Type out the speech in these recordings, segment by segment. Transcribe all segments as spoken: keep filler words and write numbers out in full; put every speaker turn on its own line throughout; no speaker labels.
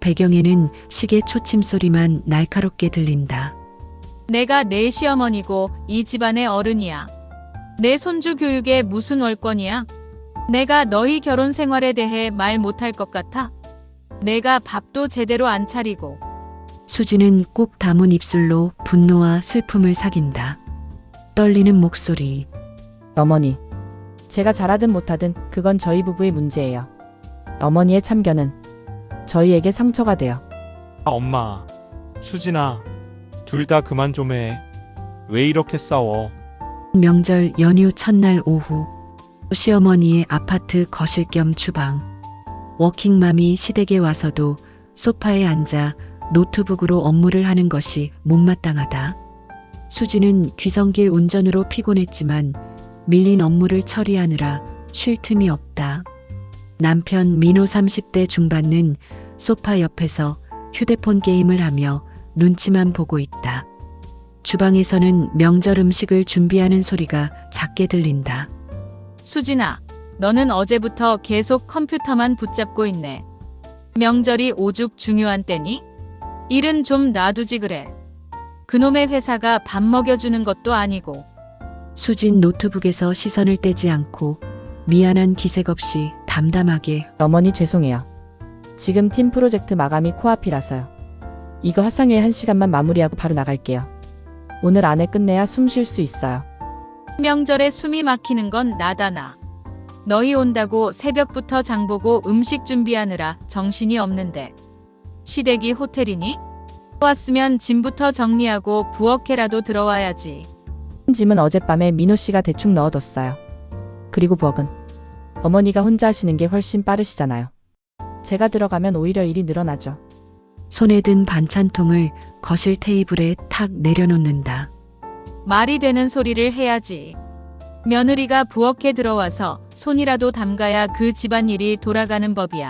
배경에는 시계 초침 소리만 날카롭게 들린다.
내가 내 시어머니고 이 집안의 어른이야. 내 손주 교육에 무슨 월권이야? 내가 너희 결혼 생활에 대해 말 못할 것 같아? 내가 밥도 제대로 안 차리고.
수지는 꾹 담은 입술로 분노와 슬픔을 삭인다. 떨리는 목소리.
어머니, 제가 잘하든 못하든 그건 저희 부부의 문제예요. 어머니의 참견은 저희에게 상처가 돼요.
아, 엄마, 수진아, 둘 다 그만 좀 해. 왜 이렇게 싸워?
명절 연휴 첫날 오후, 시어머니의 아파트 거실 겸 주방. 워킹맘이 시댁에 와서도 소파에 앉아 노트북으로 업무를 하는 것이 못마땅하다. 수지는 귀성길 운전으로 피곤했지만 밀린 업무를 처리하느라 쉴 틈이 없다. 남편 민호 삼십 대 중반은 소파 옆에서 휴대폰 게임을 하며 눈치만 보고 있다. 주방에서는 명절 음식을 준비하는 소리가 작게 들린다.
수진아, 너는 어제부터 계속 컴퓨터만 붙잡고 있네. 명절이 오죽 중요한 때니? 일은 좀 놔두지 그래. 그놈의 회사가 밥 먹여주는 것도 아니고.
수진 노트북에서 시선을 떼지 않고 미안한 기색 없이 담담하게.
어머니 죄송해요. 지금 팀 프로젝트 마감이 코앞이라서요. 이거 화상회의 한 시간만 마무리하고 바로 나갈게요. 오늘 안에 끝내야 숨 쉴 수 있어요.
명절에 숨이 막히는 건 나다 나. 너희 온다고 새벽부터 장보고 음식 준비하느라 정신이 없는데. 시댁이 호텔이니? 왔으면 짐부터 정리하고 부엌에라도 들어와야지.
짐은 어젯밤에 민호 씨가 대충 넣어뒀어요. 그리고 부엌은 어머니가 혼자 하시는 게 훨씬 빠르시잖아요. 제가 들어가면 오히려 일이 늘어나죠.
손에 든 반찬통을 거실 테이블에 탁 내려놓는다.
말이 되는 소리를 해야지. 며느리가 부엌에 들어와서 손이라도 담가야 그 집안일이 돌아가는 법이야.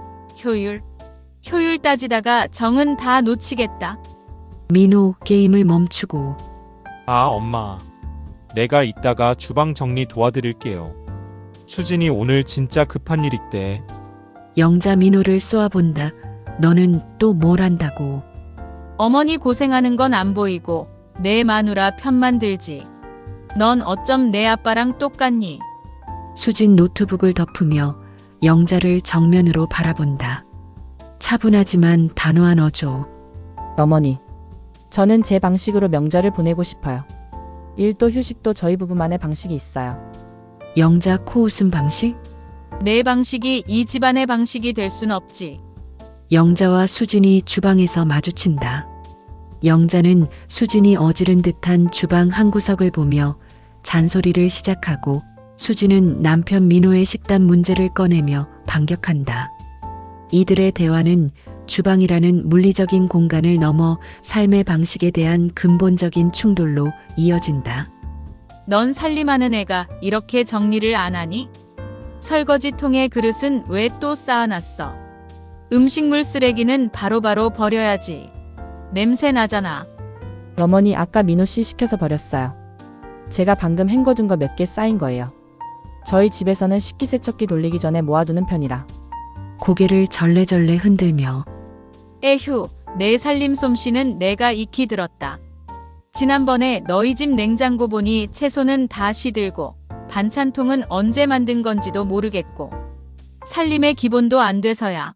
효율, 효율 따지다가 정은 다 놓치겠다.
민호 게임을 멈추고.
아, 엄마. 내가 이따가 주방 정리 도와드릴게요. 수진이 오늘 진짜 급한 일 있대.
영자 민호를 쏘아본다. 너는 또 뭘 한다고.
어머니 고생하는 건 안 보이고 내 마누라 편만 들지. 넌 어쩜 내 아빠랑 똑같니?
수진 노트북을 덮으며 영자를 정면으로 바라본다. 차분하지만 단호한 어조.
어머니, 저는 제 방식으로 명절을 보내고 싶어요. 일도 휴식도 저희 부부만의 방식이 있어요.
영자 코웃음 방식?
내 방식이 이 집안의 방식이 될 순 없지.
영자와 수진이 주방에서 마주친다. 영자는 수진이 어지른 듯한 주방 한 구석을 보며 잔소리를 시작하고 수진은 남편 민호의 식단 문제를 꺼내며 반격한다. 이들의 대화는 주방이라는 물리적인 공간을 넘어 삶의 방식에 대한 근본적인 충돌로 이어진다.
넌 살림하는 애가 이렇게 정리를 안 하니? 설거지통에 그릇은 왜 또 쌓아놨어? 음식물 쓰레기는 바로바로 버려야지. 냄새 나잖아.
어머니, 아까 민호 씨 시켜서 버렸어요. 제가 방금 헹궈둔 거 몇 개 쌓인 거예요. 저희 집에서는 식기세척기 돌리기 전에 모아두는 편이라.
고개를 절레절레 흔들며.
에휴, 내 살림 솜씨는 내가 익히 들었다. 지난번에 너희 집 냉장고 보니 채소는 다 시들고 반찬통은 언제 만든 건지도 모르겠고 살림의 기본도 안 돼서야.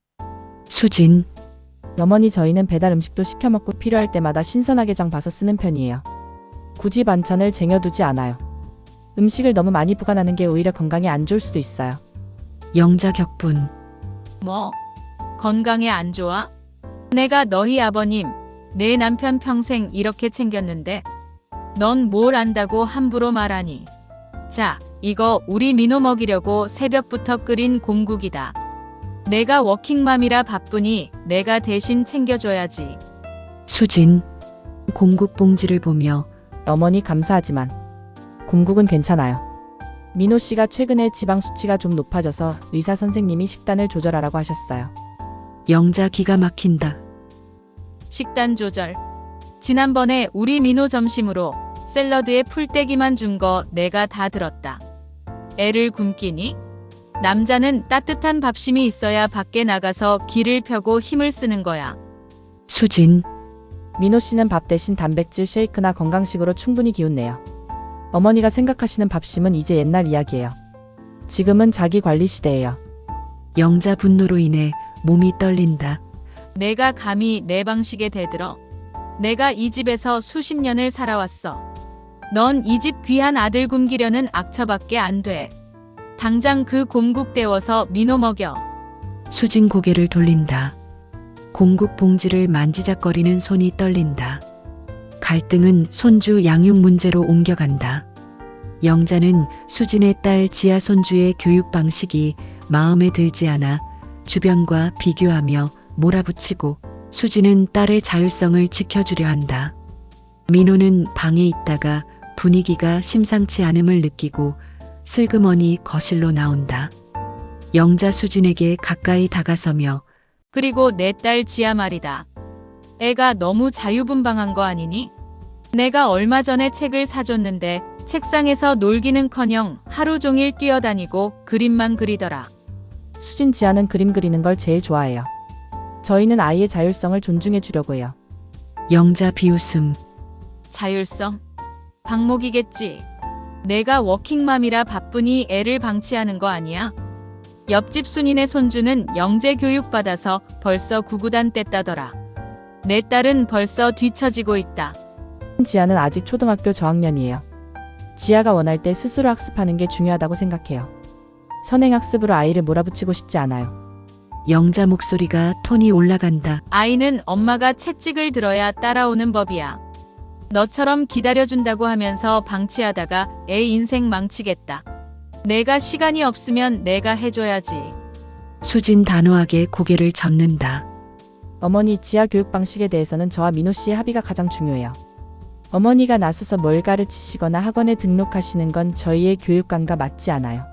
수진.
어머니, 저희는 배달 음식도 시켜 먹고 필요할 때마다 신선하게 장 봐서 쓰는 편이에요. 굳이 반찬을 쟁여두지 않아요. 음식을 너무 많이 보관하는 게 오히려 건강에 안 좋을 수도 있어요.
영자 격분.
뭐? 건강에 안 좋아? 내가 너희 아버님, 내 남편 평생 이렇게 챙겼는데 넌 뭘 안다고 함부로 말하니? 자, 이거 우리 민호 먹이려고 새벽부터 끓인 공국이다. 내가 워킹맘이라 바쁘니 내가 대신 챙겨줘야지.
수진. 공국 봉지를 보며.
어머니, 감사하지만 공국은 괜찮아요. 민호 씨가 최근에 지방 수치가 좀 높아져서 의사 선생님이 식단을 조절하라고 하셨어요.
영자 기가 막힌다.
식단 조절. 지난번에 우리 민호 점심으로 샐러드에 풀떼기만 준 거 내가 다 들었다. 애를 굶기니? 남자는 따뜻한 밥심이 있어야 밖에 나가서 길을 펴고 힘을 쓰는 거야.
수진,
민호 씨는 밥 대신 단백질 쉐이크나 건강식으로 충분히 기운내요. 어머니가 생각하시는 밥심은 이제 옛날 이야기예요. 지금은 자기 관리 시대예요.
영자 분노로 인해 몸이 떨린다.
내가 감히 내 방식에 대들어. 내가 이 집에서 수십 년을 살아왔어. 넌 이 집 귀한 아들 굶기려는 악처밖에 안 돼. 당장 그 곰국 데워서 민호 먹여.
수진 고개를 돌린다. 공국 봉지를 만지작거리는 손이 떨린다. 갈등은 손주 양육 문제로 옮겨간다. 영자는 수진의 딸 지아 손주의 교육 방식이 마음에 들지 않아 주변과 비교하며 몰아붙이고, 수진은 딸의 자율성을 지켜주려 한다. 민호는 방에 있다가 분위기가 심상치 않음을 느끼고 슬그머니 거실로 나온다. 영자 수진에게 가까이 다가서며
그리고 내 딸 지아 말이다. 애가 너무 자유분방한 거 아니니? 내가 얼마 전에 책을 사줬는데 책상에서 놀기는커녕 하루 종일 뛰어다니고 그림만 그리더라.
수진 지아는 그림 그리는 걸 제일 좋아해요. 저희는 아이의 자율성을 존중해 주려고 해요.
영자 비웃음.
자율성? 방목이겠지. 내가 워킹맘이라 바쁘니 애를 방치하는 거 아니야? 옆집 순이네 손주는 영재 교육받아서 벌써 구구단 뗐다더라. 내 딸은 벌써 뒤처지고 있다.
지아는 아직 초등학교 저학년이에요. 지아가 원할 때 스스로 학습하는 게 중요하다고 생각해요. 선행학습으로 아이를 몰아붙이고 싶지 않아요.
영자 목소리가 톤이 올라간다.
아이는 엄마가 채찍을 들어야 따라오는 법이야. 너처럼 기다려준다고 하면서 방치하다가 애 인생 망치겠다. 내가 시간이 없으면 내가 해줘야지.
수진 단호하게 고개를 젓는다.
어머니, 지아 교육 방식에 대해서는 저와 민호 씨의 합의가 가장 중요해요. 어머니가 나서서 뭘 가르치시거나 학원에 등록하시는 건 저희의 교육관과 맞지 않아요.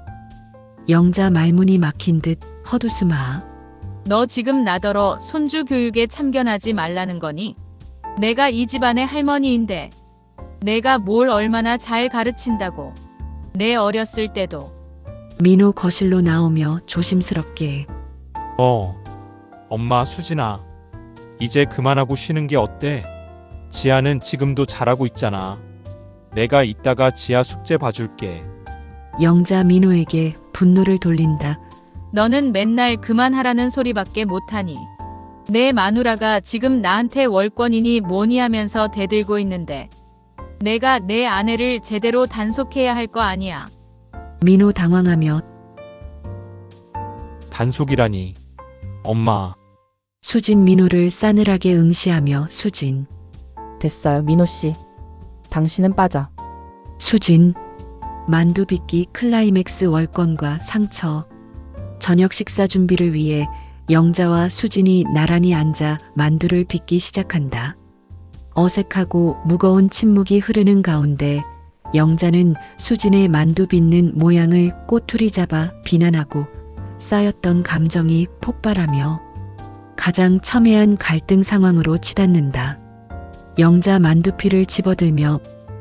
영자 말문이 막힌 듯 헛웃음아.
너 지금 나더러 손주 교육에 참견하지 말라는 거니? 내가 이 집안의 할머니인데 내가 뭘 얼마나 잘 가르친다고. 내 어렸을 때도.
민호 거실로 나오며 조심스럽게.
어, 엄마 수진아. 이제 그만하고 쉬는 게 어때? 지아는 지금도 잘하고 있잖아. 내가 이따가 지아 숙제 봐줄게.
영자 민호에게 분노를 돌린다.
너는 맨날 그만하라는 소리밖에 못하니. 내 마누라가 지금 나한테 월권이니 뭐니 하면서 대들고 있는데 내가 내 아내를 제대로 단속해야 할 거 아니야.
민호 당황하며
단속이라니. 엄마.
수진 민호를 싸늘하게 응시하며 수진.
됐어요, 민호 씨. 당신은 빠져.
수진. 만두 빚기 클라이맥스 월권과 상처. 저녁 식사 준비를 위해 영자와 수진이 나란히 앉아 만두를 빚기 시작한다. 어색하고 무거운 침묵이 흐르는 가운데 영자는 수진의 만두 빚는 모양을 꼬투리 잡아 비난하고 쌓였던 감정이 폭발하며 가장 첨예한 갈등 상황으로 치닫는다. 영자 만두피를 집어들며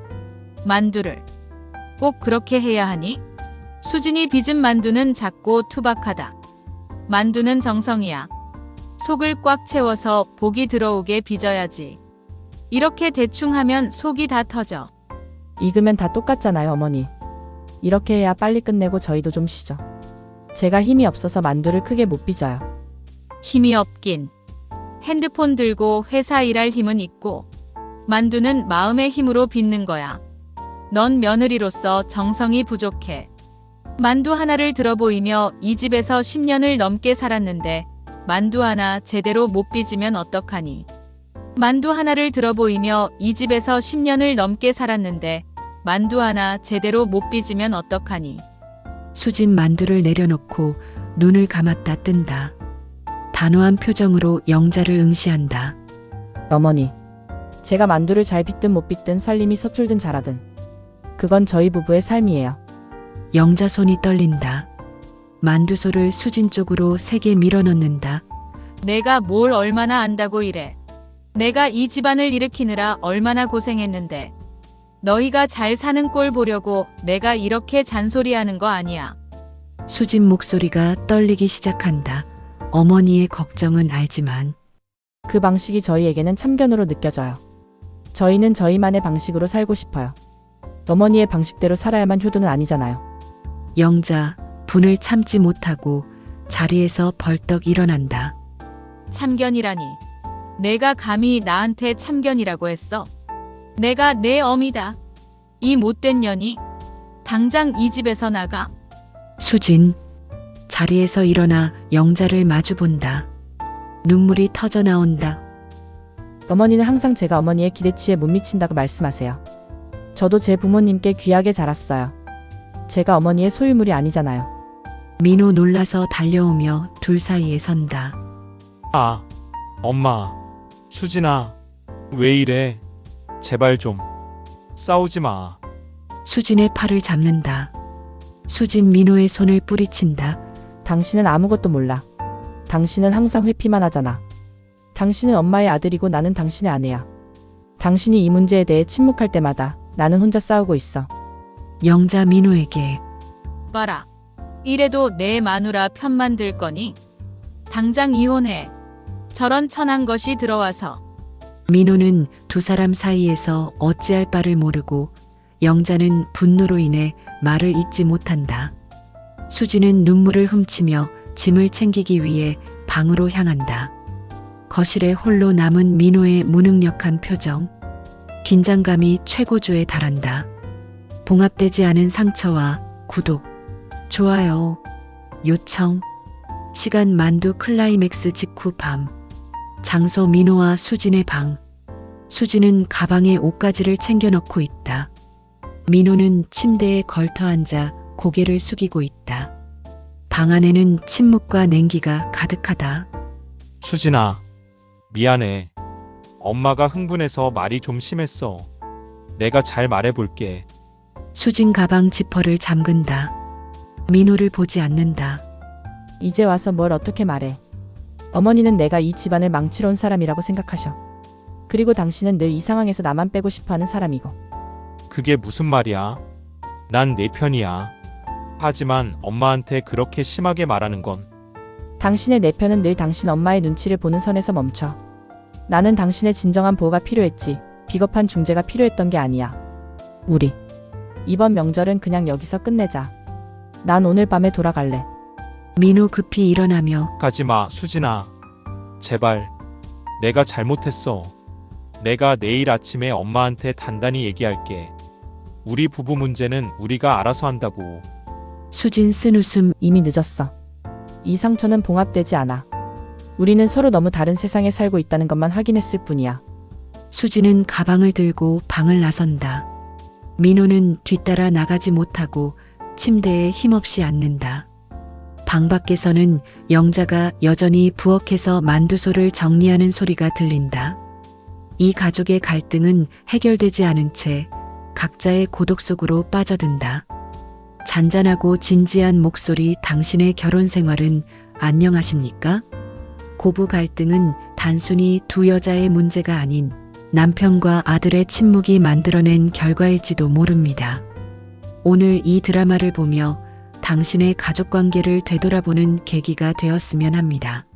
만두를 꼭 그렇게 해야 하니? 수진이 빚은 만두는 작고 투박하다. 만두는 정성이야. 속을 꽉 채워서 복이 들어오게 빚어야지. 이렇게 대충 하면 속이 다 터져.
익으면 다 똑같잖아요, 어머니. 이렇게 해야 빨리 끝내고 저희도 좀 쉬죠. 제가 힘이 없어서 만두를 크게 못 빚어요.
힘이 없긴. 핸드폰 들고 회사 일할 힘은 있고 만두는 마음의 힘으로 빚는 거야. 넌 며느리로서 정성이 부족해. 만두 하나를 들어 보이며 이 집에서 십 년을 넘게 살았는데 만두 하나 제대로 못 빚으면 어떡하니? 만두 하나를 들어 보이며 이 집에서 십 년을 넘게 살았는데 만두 하나 제대로 못 빚으면 어떡하니?
수진 만두를 내려놓고 눈을 감았다 뜬다. 단호한 표정으로 영자를 응시한다.
어머니, 제가 만두를 잘 빚든 못 빚든 살림이 서툴든 잘하든 그건 저희 부부의 삶이에요.
영자 손이 떨린다. 만두소를 수진 쪽으로 세게 밀어넣는다.
내가 뭘 얼마나 안다고 이래. 내가 이 집안을 일으키느라 얼마나 고생했는데 너희가 잘 사는 꼴 보려고 내가 이렇게 잔소리하는 거 아니야.
수진 목소리가 떨리기 시작한다. 어머니의 걱정은 알지만
그 방식이 저희에게는 참견으로 느껴져요. 저희는 저희만의 방식으로 살고 싶어요. 어머니의 방식대로 살아야만 효도는 아니잖아요.
영자 분을 참지 못하고 자리에서 벌떡 일어난다.
참견이라니. 내가 감히 나한테 참견이라고 했어. 내가 내 어미다. 이 못된 년이. 당장 이 집에서 나가.
수진 자리에서 일어나 영자를 마주본다. 눈물이 터져 나온다.
어머니는 항상 제가 어머니의 기대치에 못 미친다고 말씀하세요. 저도 제 부모님께 귀하게 자랐어요. 제가 어머니의 소유물이 아니잖아요.
민호 놀라서 달려오며 둘 사이에 선다.
아, 엄마, 수진아, 왜 이래? 제발 좀 싸우지 마.
수진의 팔을 잡는다. 수진 민호의 손을 뿌리친다.
당신은 아무것도 몰라. 당신은 항상 회피만 하잖아. 당신은 엄마의 아들이고 나는 당신의 아내야. 당신이 이 문제에 대해 침묵할 때마다 나는 혼자 싸우고 있어.
영자 민호에게
봐라. 이래도 내 마누라 편만 들 거니? 당장 이혼해. 저런 천한 것이 들어와서.
민호는 두 사람 사이에서 어찌할 바를 모르고 영자는 분노로 인해 말을 잇지 못한다. 수진은 눈물을 훔치며 짐을 챙기기 위해 방으로 향한다. 거실에 홀로 남은 민호의 무능력한 표정. 긴장감이 최고조에 달한다. 봉합되지 않은 상처와 구독, 좋아요, 요청. 시간 만두 클라이맥스 직후 밤. 장소 민호와 수진의 방. 수진은 가방에 옷가지를 챙겨 넣고 있다. 민호는 침대에 걸터 앉아 고개를 숙이고 있다. 방 안에는 침묵과 냉기가 가득하다.
수진아, 미안해. 엄마가 흥분해서 말이 좀 심했어. 내가 잘 말해볼게.
수진 가방 지퍼를 잠근다. 민호를 보지 않는다.
이제 와서 뭘 어떻게 말해. 어머니는 내가 이 집안을 망치러 온 사람이라고 생각하셔. 그리고 당신은 늘 이 상황에서 나만 빼고 싶어하는 사람이고.
그게 무슨 말이야? 난 내 편이야. 하지만 엄마한테 그렇게 심하게 말하는 건
당신의 내 편은 늘 당신 엄마의 눈치를 보는 선에서 멈춰. 나는 당신의 진정한 보호가 필요했지. 비겁한 중재가 필요했던 게 아니야. 우리 이번 명절은 그냥 여기서 끝내자. 난 오늘 밤에 돌아갈래.
민호 급히 일어나며
가지마, 수진아. 제발. 내가 잘못했어. 내가 내일 아침에 엄마한테 단단히 얘기할게. 우리 부부 문제는 우리가 알아서 한다고.
수진 쓴 웃음.
이미 늦었어. 이 상처는 봉합되지 않아. 우리는 서로 너무 다른 세상에 살고 있다는 것만 확인했을 뿐이야.
수진은 가방을 들고 방을 나선다. 민호는 뒤따라 나가지 못하고 침대에 힘없이 앉는다. 방 밖에서는 영자가 여전히 부엌에서 만두소를 정리하는 소리가 들린다. 이 가족의 갈등은 해결되지 않은 채 각자의 고독 속으로 빠져든다. 잔잔하고 진지한 목소리. 당신의 결혼 생활은 안녕하십니까? 고부 갈등은 단순히 두 여자의 문제가 아닌 남편과 아들의 침묵이 만들어낸 결과일지도 모릅니다. 오늘 이 드라마를 보며 당신의 가족 관계를 되돌아보는 계기가 되었으면 합니다.